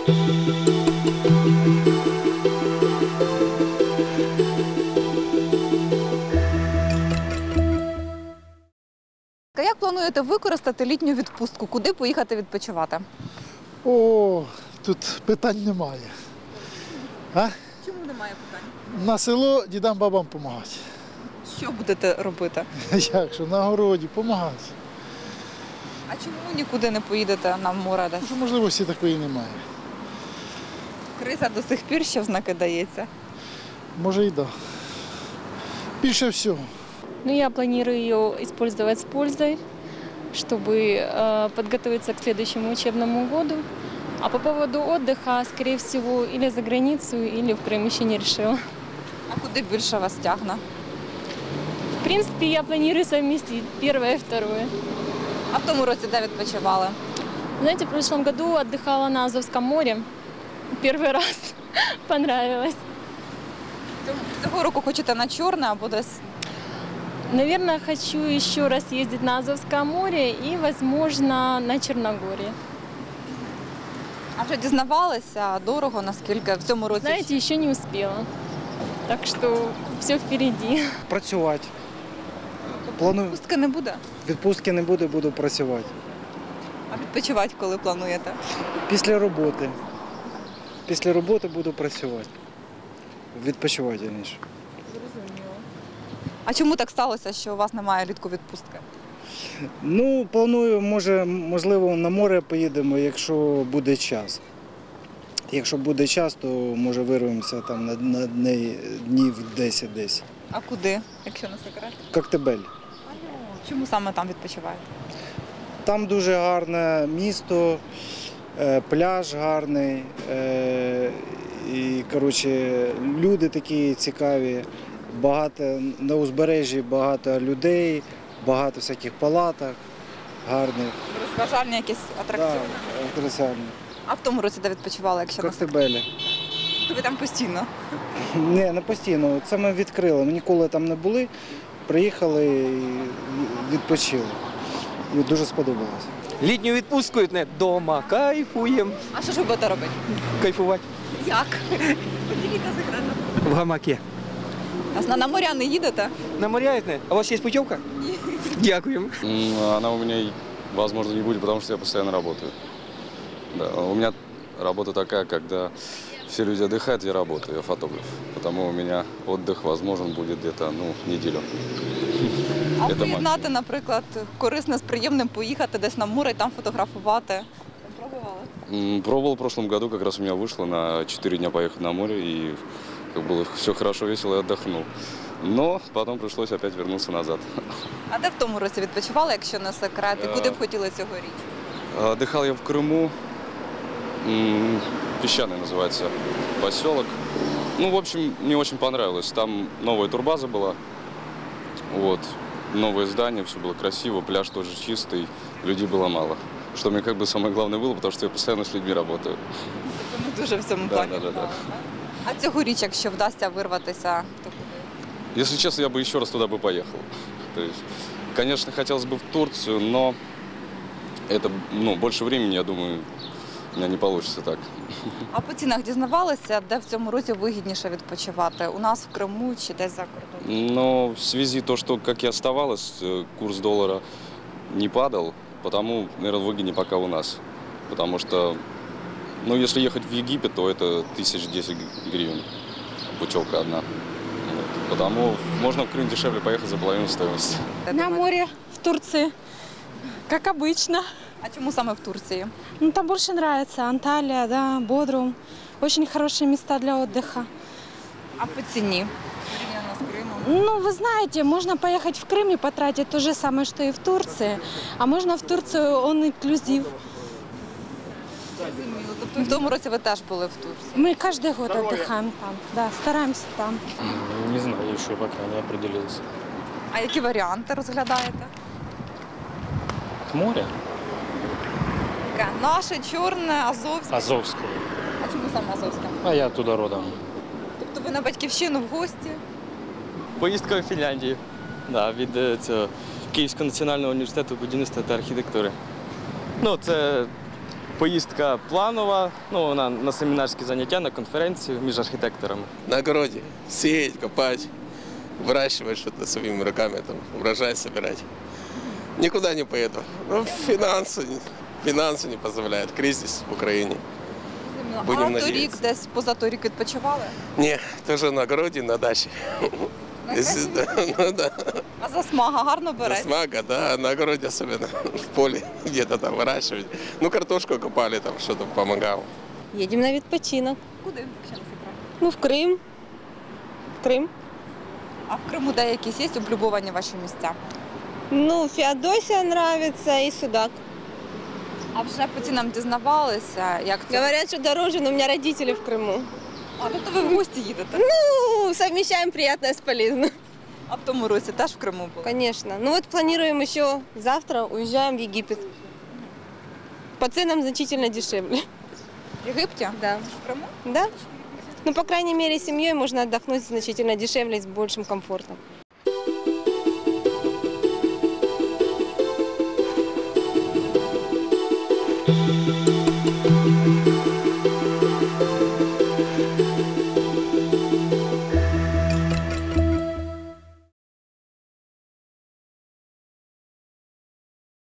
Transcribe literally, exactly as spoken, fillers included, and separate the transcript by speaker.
Speaker 1: Як плануєте використати літню відпустку? Куди поїхати відпочивати?
Speaker 2: О, тут питань немає. А?
Speaker 1: Чому немає питань?
Speaker 2: На село дідам бабам допомагати.
Speaker 1: Що будете робити?
Speaker 2: Як що, на городі допомагати.
Speaker 1: А чому нікуди не поїдете на море десь?
Speaker 2: Можливості такої немає.
Speaker 1: Криза до сих пір ще в знаки дається.
Speaker 2: Може і так. Да. Більше всього.
Speaker 3: Ну, я планирую ее использовать с пользой, чтобы э, подготовиться к следующему учебному году. А по поводу отдыха, скорее всего, или за границу, или в Крым еще не решила.
Speaker 1: А куди більше вас тягне?
Speaker 3: В принципе, я планирую совместить первое и второе.
Speaker 1: А в тому році де відпочивали?
Speaker 3: Знаете, в прошлом году отдыхала на Азовском море. Первый раз понравилось.
Speaker 1: Цього року хочете на Чорне або десь?
Speaker 3: Наверное, хочу еще раз ездить на Азовское море и, возможно, на Черногорие.
Speaker 1: А вже дізнавалися, дорого, наскільки в цьому році?
Speaker 3: Знаете, еще не успела. Так что все впереди.
Speaker 4: Працювати. Планую.
Speaker 1: Відпустки не буде?
Speaker 4: Відпустки не буде, буду працювати.
Speaker 1: А відпочивати коли плануєте?
Speaker 4: Після роботи. Після роботи буду працювати. Відпочивати, раніше.
Speaker 1: А чому так сталося, що у вас немає влітку відпустки?
Speaker 4: Ну, планую, може, можливо, на море поїдемо, якщо буде час. Якщо буде час, то, може, вирвемося там на, на днів десять десь.
Speaker 1: А куди, якщо не секрет?
Speaker 4: Коктебель.
Speaker 1: Чому саме там відпочиваєте?
Speaker 4: Там дуже гарне місто, пляж гарний, і, коротше, люди такі цікаві, багато, на узбережжі багато людей, багато всяких палаток гарних.
Speaker 1: Розважальні якісь атракціони?
Speaker 4: Так, атракціони.
Speaker 1: А в тому році де відпочивали, якщо не секрет?
Speaker 4: Коктебелі.
Speaker 1: То ви там постійно?
Speaker 4: Ні, не постійно. Це ми відкрили. Ми ніколи там не були, приїхали і відпочили. І дуже сподобалося.
Speaker 5: Літню відпустку не вдома, кайфуємо.
Speaker 1: А що ж ви будете робити?
Speaker 5: Кайфувати.
Speaker 1: Як? Поділіться секретом.
Speaker 5: В гамаке.
Speaker 1: А на моря не їдете?
Speaker 5: На моря не? А у вас є путівка? Ні. Дякуємо.
Speaker 6: Она у меня, возможно, не будет, потому что я постоянно работаю. Да, у меня работа такая, когда все люди отдыхают, я работаю, я фотограф. Потому у меня отдых возможен будет где-то ну, неделю.
Speaker 1: А поєднати, наприклад, корисне з приємним, поїхати десь на море і там фотографувати? Пробували?
Speaker 6: Пробовал в прошлом году, как раз у меня вышло на четыре дня поехать на море, и как было все хорошо, весело и отдохнул. Но потом пришлось опять вернуться назад.
Speaker 1: А де в тому році відпочивали, якщо не секрет? І куди б хотіли цьогоріч?
Speaker 6: Отдыхал я в Крыму, Песчаный называется поселок. Ну, в общем, мне очень понравилось. Там новая турбаза была, вот, новое здание, все было красиво, пляж тоже чистый, людей было мало. Что мне как бы самое главное было, потому что я постоянно с людьми работаю.
Speaker 1: Тобто не дуже в цьому
Speaker 6: Да,
Speaker 1: плані.
Speaker 6: да, да, да.
Speaker 1: А цьогоріч, якщо вдасться вирватися, то куди?
Speaker 6: Если честно, я бы еще раз туда бы поехал. То есть, конечно, хотелось бы в Турцию, но это, ну, больше времени, я думаю, у меня не получится так.
Speaker 1: А по цінах дізнавалися, де в цьому році вигідніше відпочивати? У нас в Криму чи десь за кордоном?
Speaker 6: Но в связи то, что, как и оставалось, курс доллара не падал, потому, наверное, выгоднее пока у нас. Потому что, ну, если ехать в Египет, то это тысяч десять гривен, путевка одна. Вот. Потому можно в Крым дешевле поехать за половину стоимости.
Speaker 7: На море в Турции, как обычно.
Speaker 1: А чому саме в Турції?
Speaker 7: Ну, там больше нравится Анталия, да, Бодрум. Очень хорошие места для отдыха.
Speaker 1: А по ціні? Порівняно з Кримом?
Speaker 7: Ну, вы знаете, можно поехать в Крым и потратить то же самое, что и в Турции. А можно в Турцию он инклюзив.
Speaker 1: Тобто в тому році ви теж були в Турції?
Speaker 7: Мы каждый год отдыхаем там, да, стараемся там.
Speaker 8: Не знаю, еще пока не определился.
Speaker 1: А які варіанти розглядаєте?
Speaker 8: Море?
Speaker 1: Наше, Чорне, Азовське.
Speaker 8: Азовское.
Speaker 1: А чому саме Азовське?
Speaker 8: А я туда родом.
Speaker 1: Тобто ви на батьківщину в гості?
Speaker 9: Поїздка в Фінляндію. Да, від е, цього Київського національного університету будівництва та архітектури. Ну, це Поїздка планова, ну, вона на семінарські заняття, на конференцію між архітекторами.
Speaker 10: На огороде сеять, копать, выращивать что-то своими руками, там, урожай собирать. Никуда не поеду. Ну, финансы, финансы не позволяют, кризис в Украине. Будем
Speaker 1: а торік
Speaker 10: надеяться.
Speaker 1: десь позаторік відпочивали?
Speaker 10: Не, тоже на огороде, на даче. Если, да, ну да.
Speaker 1: А засмага гарно береться?
Speaker 10: Смага, да, на огороде особенно, в поле где-то там выращивать. Ну, картошку копали, там что-то помогал.
Speaker 11: Їдемо на відпочинок.
Speaker 1: Куди, якщо не секрет?
Speaker 11: Ну, в Крим. В Крим.
Speaker 1: А в Криму де якісь є облюбовані ваші місця?
Speaker 11: Ну, Феодосія подобається і Судак.
Speaker 1: А вже по цінам дізнавалися, як це?
Speaker 11: Говорять, що дороже, але у мене родителі в Криму.
Speaker 1: А тобто ви в гості їдете?
Speaker 11: Ну, совмещаем приятное с полезным.
Speaker 1: А в тому році теж в Криму були?
Speaker 11: Конечно. Ну вот планируем еще завтра, уезжаем в Египет. По ценам значительно дешевле.
Speaker 1: В Єгипті?
Speaker 11: Да.
Speaker 1: В Криму?
Speaker 11: Да? Ну, по крайней мере, с семьей можно отдохнуть значительно дешевле и с большим комфортом.